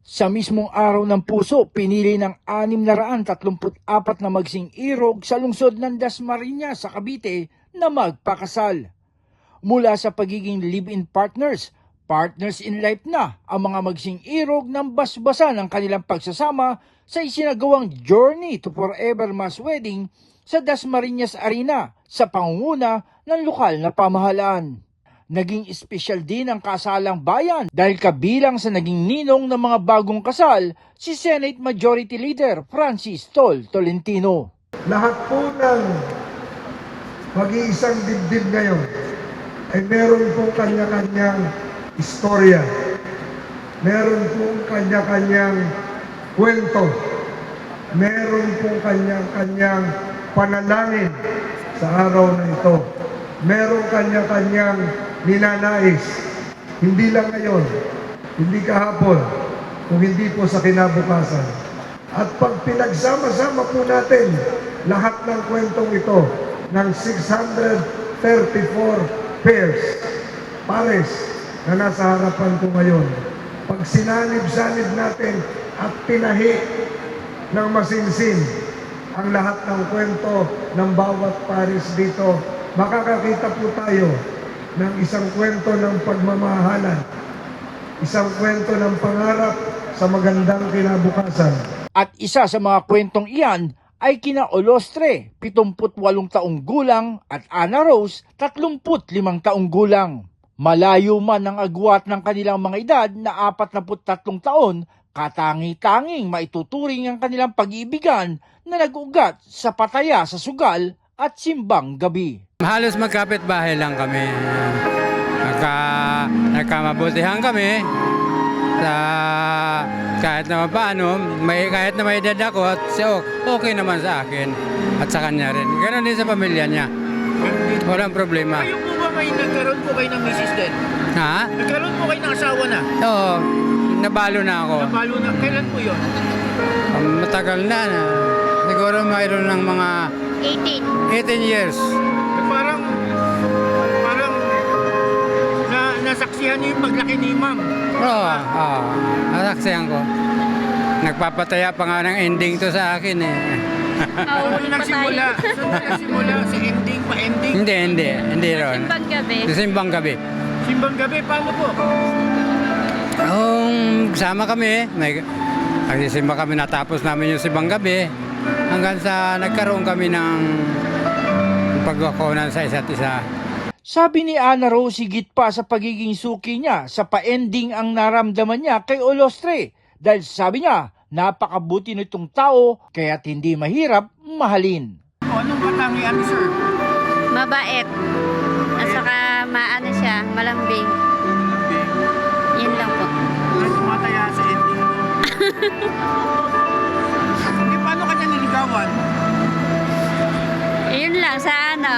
Sa mismong araw ng puso, pinili ng 634 na magsing irog sa lungsod ng Dasmariñas sa Cavite na magpakasal. Mula sa pagiging live-in partners, partners in life na ang mga magsing irog ng basbasa ng kanilang pagsasama sa isinagawang Journey to Forever Mass Wedding sa Dasmariñas Arena sa pangunguna ng lokal na pamahalaan. Naging espesyal din ang kasalang bayan dahil kabilang sa naging ninong ng mga bagong kasal si Senate Majority Leader Francis Tolentino. Lahat po ng mag-iisang dibdib ngayon ay meron pong kanya-kanyang istorya. Meron pong kanya-kanyang kwento. Meron pong kanya-kanyang panalangin sa araw na ito. Meron kanya-kanyang ninanais. Hindi lang ngayon, hindi kahapon, kung hindi po sa kinabukasan. At pag pinagsama-sama po natin lahat ng kwentong ito ng 634 pares na nasa harapan ko ngayon, pag sinanib-sanib natin at tinahi ng masinsin ang lahat ng kwento ng bawat pares dito, makakakita po tayo ng isang kwento ng pagmamahalan, isang kwento ng pangarap sa magandang kinabukasan. At isa sa mga kwentong iyan ay kina Olostre, 78 taong gulang at Ana Rose, 35 taong gulang. Malayo man ang agwat ng kanilang mga edad na 43 taon, katangi-tanging maituturing ang kanilang pag-iibigan na nag-ugat sa pataya sa sugal at simbang gabi. Halos magkapit-bahay lang kami. Nagkamabutihan kami. Kahit naman paano, kahit na may edad ako, at okay naman sa akin at sa kanya rin. Ganon din sa pamilya niya. Walang problema. Kayo po ba nagkaroon po kayo ng misis din? Ha? Nagkaroon po kayo ng asawa na? Oo, nabalo na ako. Napalo na. Kailan po yun? Matagal na. Siguro mayroon ng mga 18 years. Parang nasaksihan niyo yung paglaki ni ma'am. Oo, nasaksihan ko. Nagpapataya pa nga ng ending to sa akin eh. Ano nagsimula? Saan nagsimula? Sa ending pa ending? Hindi ron. Simbang gabi. Sa simbang gabi. Simbang gabi, paano po? Sama kami, nagsisimba kami, natapos namin yung simbang gabi hanggang sa nagkaroon kami ng pagkakunan sa isa't isa. Sabi ni Ana Rose, higit pa sa pagiging suki niya, sa pa-ending ang naramdaman niya kay Olostre. Dahil sabi niya, napakabuti nitong tao, kaya't hindi mahirap mahalin. Anong katangian ni sir? Mabait. At saka maano siya, malambing. Yun lang po. Tumataya sa ending. Hindi, paano kanya niligawan? Yun lang sa ano.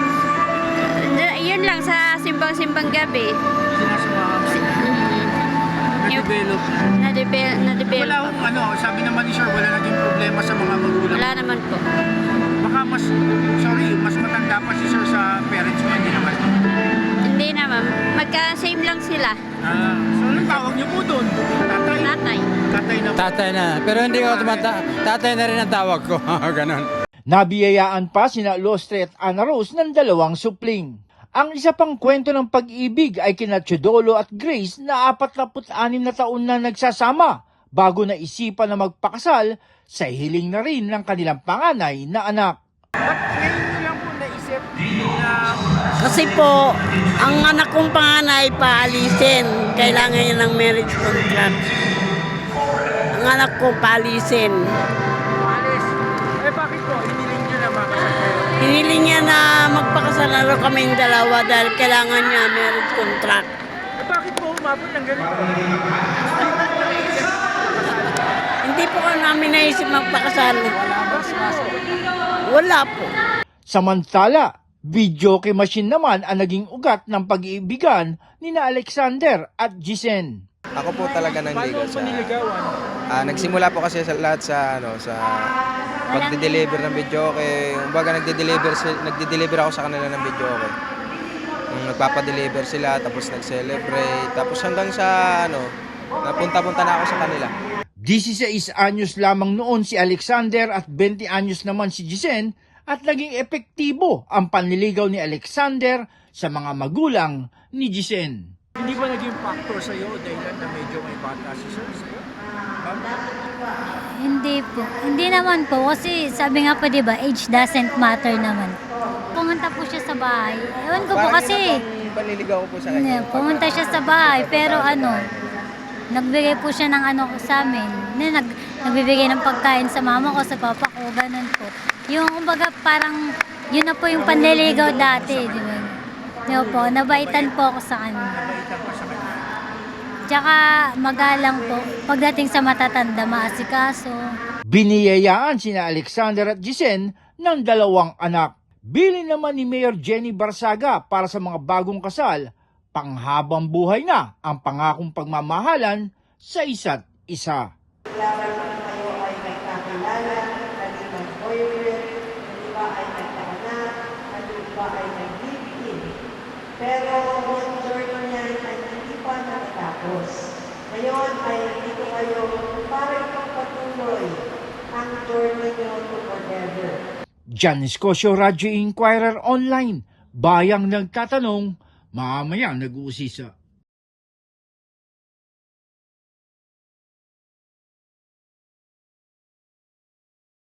Yun lang sa simbang-simbang gabi. Sinasamahan ka niya. Na-develop na. Na-develop. Wala akong sabi naman ni sir, wala naging problema sa mga magulang. Wala naman po. Baka mas matanda pa si sir sa parents mo, hindi naman. Hindi naman. Magka-same lang sila. So anong tawag niyo po doon? Tatay? Tatay. Tatay na po. Tatay na, pero hindi ko tatay na rin ang tawag ko. Ganon. Nabiyayaan pa sina Olostre at Ana Rose ng 2 supling. Ang isa pang kwento ng pag-ibig ay kina Chodolo at Grace na 46 na taon na nagsasama bago na isipan na magpakasal sa hiling na rin ng kanilang panganay na anak. Ba't ngayon nyo lang po naisip na... Kasi po, ang anak kong panganay paalisin. Kailangan niya ng marriage contract. Ang anak ko paalisin. Alis. Bakit po? Hiniling nyo na makasal? Hiniling niya na magpakasal na kaming dalawa dahil kailangan niya marriage contract. Bakit po umabot ng ganito? Hindi po ka namin naisip magpakasal. Wala po. Samantala, videoke machine naman ang naging ugat ng pag-iibigan ni na Alexander at Jisen. Ako po talaga nanligaw sa... niligawan? Nagsimula po kasi sa lahat sa pagde-deliver ng videoke. Kumbaga nagde-deliver ako sa kanila ng videoke. Nagpapa-deliver sila, tapos nag-celebrate, tapos hanggang sa Napunta-punta na ako sa kanila. 16 anyos lamang noon si Alexander at 20 anyos naman si Jisen at naging epektibo ang panliligaw ni Alexander sa mga magulang ni Jisen. Hindi ba naging factor sa iyo dahil na medyo may bata si sir sa iyo? Hindi po. Hindi naman po kasi sabi nga po 'di ba, age doesn't matter naman. Pumunta po siya sa bahay. Ewan ko po Parang kasi yun ang panliligaw ko po sa kanya. pumunta siya sa bahay pero nagbigay po siya ng sa amin. Nagbibigay ng pagkain sa mama ko, sa papa ko, ganun po. Yung kumbaga parang yun na po yung panliligaw dati, di ba? Yun po, nabaitan po ako sa kanya. Tsaka magalang po, pagdating sa matatanda, maasikaso. Biniyayaan sina Alexander at Jisen ng 2 anak. Bili naman ni Mayor Jenny Barsaga para sa mga bagong kasal, panghabang buhay na ang pangakong pagmamahalan sa isa't isa. Kailangan kayo ay nagkakilala, kanilang boyfriend, yung iba ay nagkaanak, at yung iba ay nag-live-in. Pero yung journey niyan ay hindi pa natatapos. Ngayon ay dito kayo para itong patuloy ang journey niyo to forever. Jan Escosio, Radyo Inquirer Online, bayang nagtatanong, mamayang nag-uusisa.